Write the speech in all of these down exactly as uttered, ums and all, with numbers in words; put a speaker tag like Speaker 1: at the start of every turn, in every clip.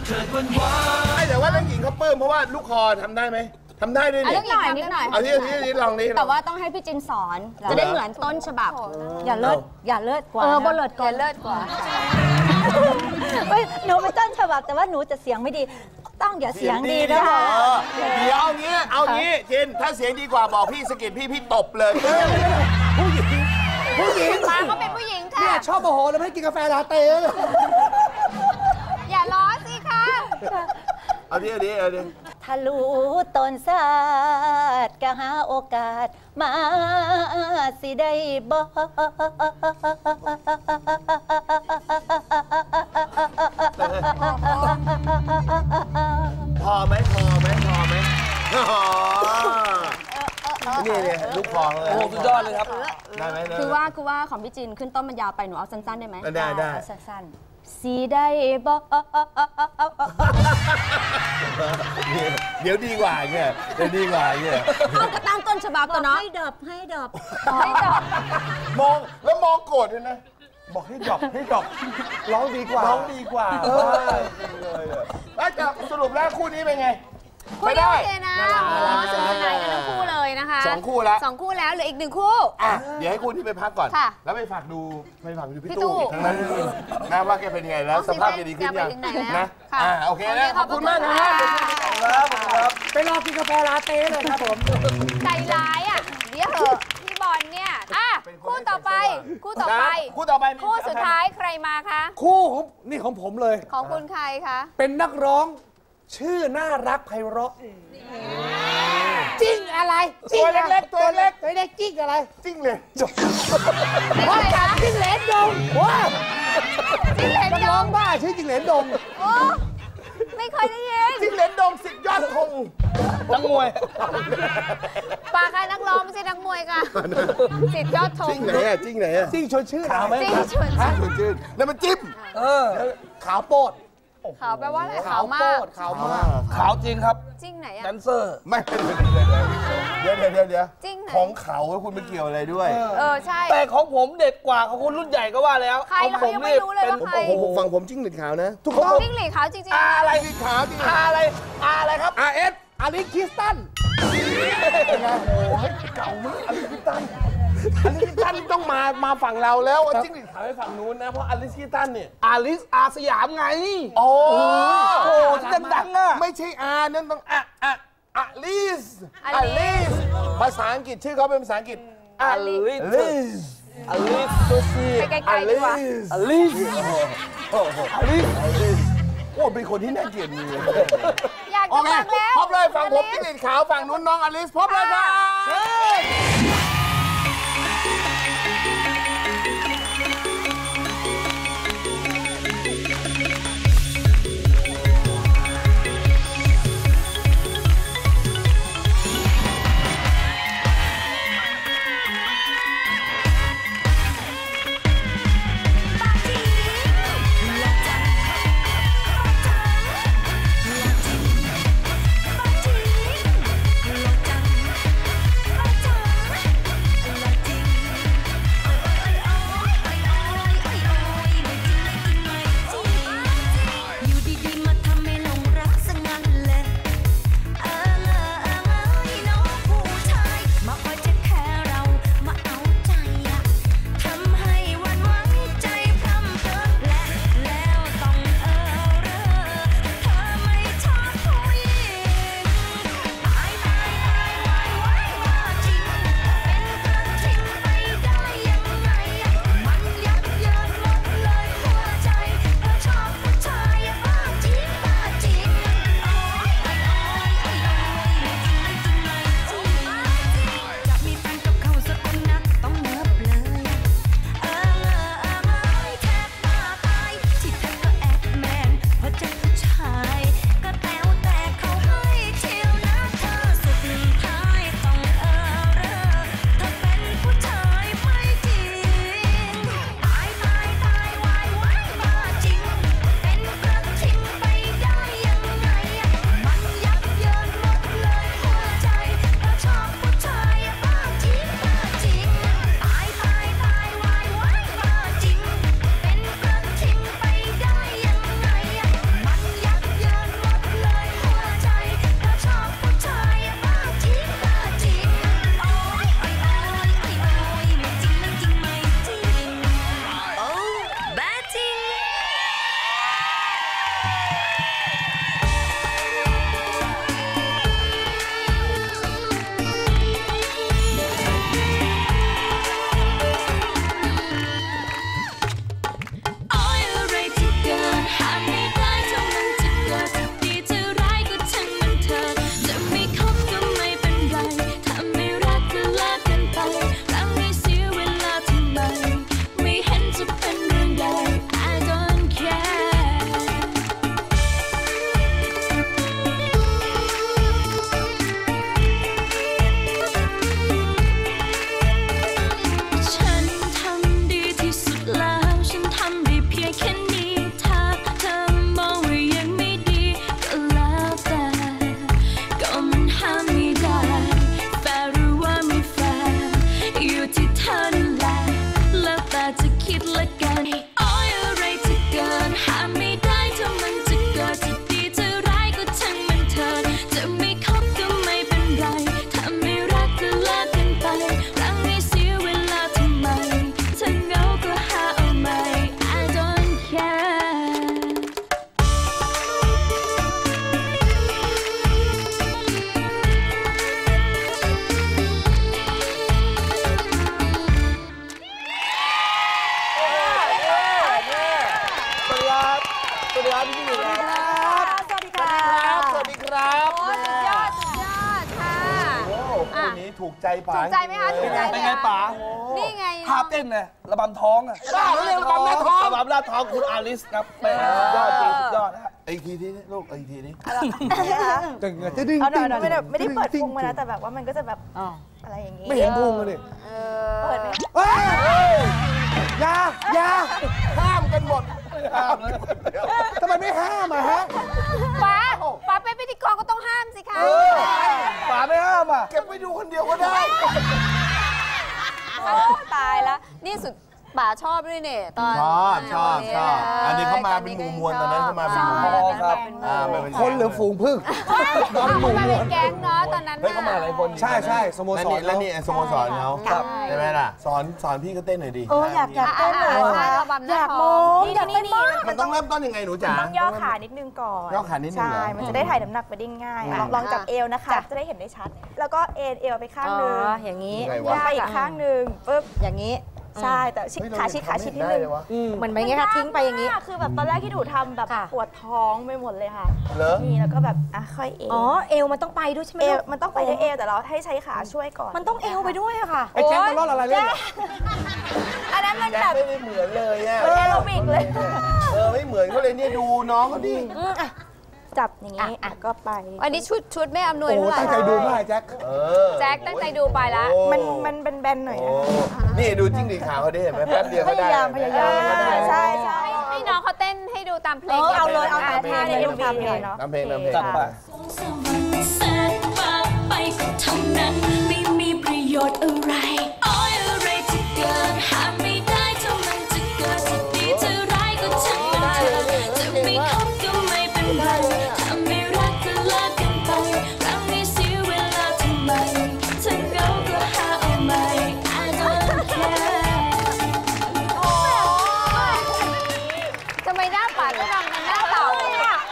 Speaker 1: ไอ้แต่ว่าเรื่องหญิงเขาเปิ้มเพราะว่าลูกคอทำได้ไหมทำได้ด้วยนี่
Speaker 2: นิดหน่อยนิดหน่อย
Speaker 1: เอาที่ที่ที่ลองนี้
Speaker 2: แต่ว่าต้องให้พี่จินสอนจะได้เหมือนต้นฉบับ
Speaker 3: อย่าเลิศอย่าเลิศกว่า
Speaker 2: เออบ่เลิศกว่า
Speaker 3: เลิศกว่าหนูเป็นต้นฉบับแต่ว่าหนูจะเสียงไม่ดีต้องอย่าเสียงดีนะ
Speaker 1: เดี๋ยวเอางี้เอางี้จินถ้าเสียงดีกว่าบอกพี่สกิดพี่พี่ตบเลย
Speaker 4: ผู้หญิงผู้หญิง
Speaker 2: มาเขาเป็นผู้หญิงค่ะ
Speaker 4: เนี่ยชอบโมโหแล้วไม่กินกาแฟลาเต้
Speaker 2: อย่าล้อสิคะ
Speaker 1: เอาดิเอาดิเอาดิ
Speaker 3: ถ้ารู้ตนศาสตร์ก็หาโอกาสมาสิได้บ่
Speaker 1: พอไหมพอไหมพอไหมนี่เนี่ยลูกคอเลย
Speaker 4: โอ้สุดยอดเลยครับ
Speaker 1: ได้ไหม
Speaker 2: คือว่าคือว่าของพี่จินขึ้นต้นมันยาวไปหนูเอาสั้นๆได้ไหม
Speaker 1: ได้ได้
Speaker 3: สั้นๆ
Speaker 2: สีได้บ่
Speaker 1: เดี๋ยวดีกว่าเงี้ยเดี๋ยวดีกว่าเงี้ย
Speaker 2: เอากระตั้งต้นฉบับตัวเนาะ
Speaker 3: ให้ดอบให้ดอบ
Speaker 2: ให้ดอบ
Speaker 1: มองแล้วมองโกรธเลยนะบอกให้ดอบให้ดอบร้องดีกว่าร้องดีกว่าเออแล้วจะสรุปแล้วคู่นี้เป็นไง
Speaker 2: คู่นี้โอเคนะโอ้สนุกสนานกันทั้งคู่เลยนะคะ
Speaker 1: สองคู่แล้ว
Speaker 2: สองคู่แล้วเหลืออีกหนึ่งคู่
Speaker 1: อ่ะเดี๋ยวให้คู่ที่ไปพักก่อนแล้วไปฝากดูไปฝากดูพี่ตู้ทั้งนั้นนะว่าแกเป็นยังไงแล้วสภาพจะดีขึ้นยังนะอ่าโอเคนะขอบคุณมากครับครับครับ
Speaker 4: ไปรอกินกาแฟลาเต้เลยครับผม
Speaker 2: ใจร้ายอ่ะเดี๋ยวเหอะพี่บอลเนี่ยอ่ะคู่ต่อไปคู่ต่อไป
Speaker 1: คู่ต่อไป
Speaker 2: คู่สุดท้ายใครมาคะ
Speaker 4: คู่ของนี่ของผมเลย
Speaker 2: ของคุณใครคะ
Speaker 4: เป็นนักร้องชื่อน่ารักไพเราะจิ้งอะไร
Speaker 1: ตัวเล็กๆตัวเล็ก
Speaker 4: ตัวเล็กจิ้งอะไร
Speaker 1: จิ้งเลยจบ
Speaker 4: ว่าจากจิ้งเหลนดงว้า
Speaker 2: จิ้งเหลนดง
Speaker 4: บ้าชื่อจิ้งเหลนดง
Speaker 2: โอ้ไม่เคยได้ยิน
Speaker 1: จิ้งเหลนดงสิบยอดธง
Speaker 4: นักมวย
Speaker 2: ปากใครนักร้องไม่ใช่นักมวยค่ะสิบยอดธง
Speaker 1: จิ้งไหนอะจิ้งไหนอะ
Speaker 4: จิ้งชวนชื่อขาวไหม
Speaker 2: จิ้งชวน
Speaker 1: ชื่อนั่นมันจิ้ม
Speaker 4: เออขาวโป๊ด
Speaker 2: ขาวแปลว่าอะไรขาวมาก
Speaker 4: ขาวมากขาวจริงครับ
Speaker 2: จริงไหนอะ
Speaker 4: แดนเซอร์
Speaker 1: ไม่เดี๋ยวเดี๋ยวเดี๋ยวเดี๋ยว
Speaker 2: จริงไหน
Speaker 1: ของเขาคุณไม่เกี่ยวอะไรด้วย
Speaker 2: เออใช่
Speaker 4: แต่ของผมเด็กกว่าของคุณรุ่นใหญ่ก็ว่าแล้ว
Speaker 2: ใครเรายังไม่รู้เลยว่าใคร
Speaker 1: ผมฝั่งผมจิ้งหรีดขาวนะ
Speaker 4: ถูกต้อง
Speaker 2: จิ้งหรีดขาวจริง
Speaker 4: ๆอะไร
Speaker 1: จิ้งขาวจริง
Speaker 4: อะไรอะไรครับ
Speaker 1: อาร์ เอส
Speaker 4: อาริสคริสตัน
Speaker 1: เป็นไงโอ้ยเก่ามากอาริสคริสตันอาริสคริสตันต้องมามาฝั่งเราแล้วจิ้งหรีดขาวไปฝั่งนู้นนะเพราะอาริสคริสตันเนี่ย
Speaker 4: อาริสอาสยามไง
Speaker 1: โอ้
Speaker 4: โหดังๆอ่ะ
Speaker 1: ไม่ใช่อานั่นต้องอะอะอาลิสอาลิสภาษาอังกฤษชื่อเขาเป็นภาษาอังกฤษ
Speaker 4: อาลิสอาลิสโซเชีย
Speaker 2: ไปไกลๆดีกว่า
Speaker 4: อาลิสอาลิส
Speaker 1: โอ้เป็นคนที่น่าเกลียดเลย
Speaker 2: อยากจะฟังแล้ว
Speaker 1: พบเลยฝั่งผมจิ้งหรีดขาวฝั่งนู้นน้องอลิสพบเลยครับถูกใจป๋า
Speaker 2: ถูกใจไหมคะถูกใจไหม
Speaker 4: เป็นไงป๋า
Speaker 2: นี่ไง
Speaker 4: ท่าเต้นไงระบำท้องอ่ะ
Speaker 1: บ้าเรื่องระบำหน้าท้อง
Speaker 4: ระบำหน้าท้องคุณอาลิสครับเป็นสุดยอดจริงสุดยอดนะ
Speaker 1: อีกทีที่ลูกอีกทีนี้
Speaker 5: จะจะดิ้ง
Speaker 6: เอาหน่อยไม่ได้ไม่ได้เปิดพุงมานะแต่แบบว่ามันก็จะแบบอะไรอย่างงี้
Speaker 5: ไม่เห็นพุงเลย
Speaker 6: เปิดไหม
Speaker 5: เฮ้ยยา ยา
Speaker 1: ห้ามกันหมด
Speaker 5: ทำไมไม่ห้ามอะฮะ
Speaker 2: ป๋าป๋าเป็นพิธีกรก็ต้องห้ามสิคะ
Speaker 4: ป๋าไม่ห้ามอ่ะ
Speaker 1: เก็บไปดูคนเดียวก็ได้
Speaker 2: ตายแล้วนี่สุดป๋าชอบด้วยเนี่ยตอน
Speaker 1: ชอบชอบชอบอันนี้เขามาเป็นหมู่มวลตอนนั้นเขามาเป็นหมู่มวล
Speaker 4: ครับ
Speaker 1: อ่ามาเป็น
Speaker 5: คนหรือฝูงพึ่ง
Speaker 2: เขามาเป็นแก๊งเนาะตอนนั้น
Speaker 4: เฮ้ยเขามาหลายคน
Speaker 5: ใช่ใช่สโม
Speaker 1: แล้ว
Speaker 5: สร
Speaker 1: นี่แล้วนี่สโมสรเขา
Speaker 2: ครับ
Speaker 1: ใช่ไหมล่ะสอนสอนพี่ก็เต้นหน่อยดิ
Speaker 6: โอ้อยากอยากเต้นเลย
Speaker 2: ใช่
Speaker 6: ค่ะ
Speaker 2: ระบำห
Speaker 6: อ
Speaker 2: น้าย
Speaker 6: าก
Speaker 2: ท้
Speaker 6: ม
Speaker 2: อ
Speaker 6: อง งอยากเต้นมาก
Speaker 1: มันต้องเริ่มต้นยังไงหนูจ๋า
Speaker 6: ต้องย่อขานิดนึงก่อน
Speaker 1: ย่อขานิดนึงเหรอ
Speaker 6: ใช่ มันจะได้ถ่ายน้ำหนักไปได้ง่ายลองลองจับเอวนะคะ จะได้เห็นได้ชัด แล้วก็เอ็นเอวไปข้างหนึง
Speaker 3: อย่างนี้
Speaker 1: ยังไง
Speaker 6: ย่อ
Speaker 1: วะ
Speaker 6: ไปอีกข้างหนึงปุ๊บ
Speaker 3: อย่างนี้
Speaker 6: ใช่แต่ชิดขาชิดขาชิดนิดนึง
Speaker 3: เหมือนไหมไงคะทิ้งไปอย่างนี้
Speaker 6: นี้คือแบบตอนแรกที่หนูทำแบบ
Speaker 3: ค่ะ
Speaker 6: ปวดท้องไปหมดเลยค่ะ
Speaker 1: เหรอ
Speaker 6: นี่แล้วก็แบบอ่ะค่อยเอว
Speaker 3: อ๋อ เอวมันต้องไปด้วยใช่ไหม
Speaker 6: เอว
Speaker 3: ลูก
Speaker 6: มันต้องไปด้วยเอวแต่เราให้ใช้ขาช่วยก่อน
Speaker 3: มันต้องเอวไปด้วยอะค่ะ
Speaker 5: ไอ้แจ็คมันรอดอะไรเล่นอะ
Speaker 6: อันนั้นมัน
Speaker 1: แจ็
Speaker 6: แบ
Speaker 1: ค
Speaker 6: บ
Speaker 1: ไม่เหมือนเลยอ่ะ
Speaker 6: แอโรบิกเลย
Speaker 1: เออไม่เหมือนเขาเลยเนี่ยดูน้องเขาดิ
Speaker 6: จับอย่างนี้แล้วก็ไป
Speaker 2: อันนี้ชุดชุดไม่อำนวย
Speaker 5: โอ้
Speaker 2: เท่าไหร่
Speaker 5: ตั้งใจดูมากไอ้แจ็ค
Speaker 1: เออ
Speaker 2: แจ็คตั้งใจดูไปละ
Speaker 1: โอ้
Speaker 6: มันมันเป็นแบนๆหน่อย
Speaker 1: โอ้
Speaker 6: นะคะ
Speaker 1: นี่ดูจิ้งหรีดขาวเขาดิเห็นไหมแป๊บเดียว
Speaker 6: พ
Speaker 1: ก็ได้
Speaker 6: ยายามพยายาม
Speaker 1: ก็ได้
Speaker 6: ใช่ใช่
Speaker 2: ให้ให้น้องเขาเต้นให้ดูตามเพลง
Speaker 3: เออเอาเลยเอา
Speaker 2: ะ
Speaker 3: ตามเพลง
Speaker 6: ในเอ็มวีเนาะ
Speaker 1: น้ำเพลงน้ำเพลง
Speaker 4: จัดไป
Speaker 7: แสนว่าไปก็เท่านั้นไม่มีประโยชน์อะไรโอ้ยอะไรที่เกิดห้ามไม่ได้ถ้ามันจะเกิดจะดีจะร้ายก็ช่างมันเถอะจะไม่คบก็ไม่เป็นไรถ้าไม่รักก็เลิกกันไปครั้งนี้เสียเวลาทำไมถ้าเหงาก็หาเอาใหม่ I don't care
Speaker 2: ทำไมหน้าป๋าก็รำกันหน้าเต่าอ่ะ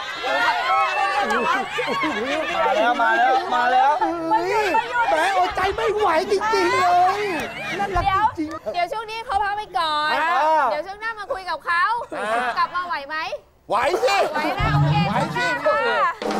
Speaker 4: มาแล้วมาแล้วมาแล้ว
Speaker 5: เฮ้ยแหมอดใจไม่ไหวจริงๆเลยนั่นรัก
Speaker 2: เดี๋ยว
Speaker 5: จริง
Speaker 2: เดี๋ยวช่วงนี้เขาพักไปก่อน
Speaker 1: อ่า
Speaker 2: เดี๋ยวช่วงหน้ามาคุยกับเขากลับมาไหวไหม
Speaker 1: ไหวสิ
Speaker 2: ไหวนะโอเค
Speaker 1: ไหวสิ
Speaker 2: ช่วงหน้าค่ะ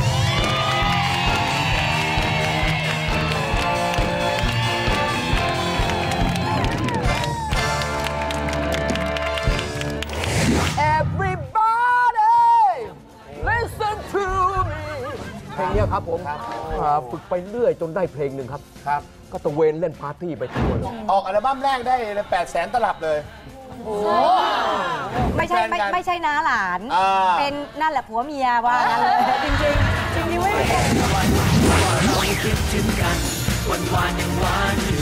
Speaker 8: เพลงเนี้ยครับผมอ่าฝึกไปเรื่อยจนได้เพลงหนึ่งครับ
Speaker 1: ครับ
Speaker 8: ก็ตะเวนเล่นปาร์ตี้ไปทั่วเลย
Speaker 1: ออกอัลบั้มแรกได้แปดแสนตลับเลย
Speaker 3: ไม่ใช่ไม่ไม่ใช่น้าหลาน
Speaker 1: อ่า
Speaker 3: เป็นนั่นแหละผัวเมียว่างั้นเลยจริงๆจริงๆไม่
Speaker 7: วันวานยังหวาน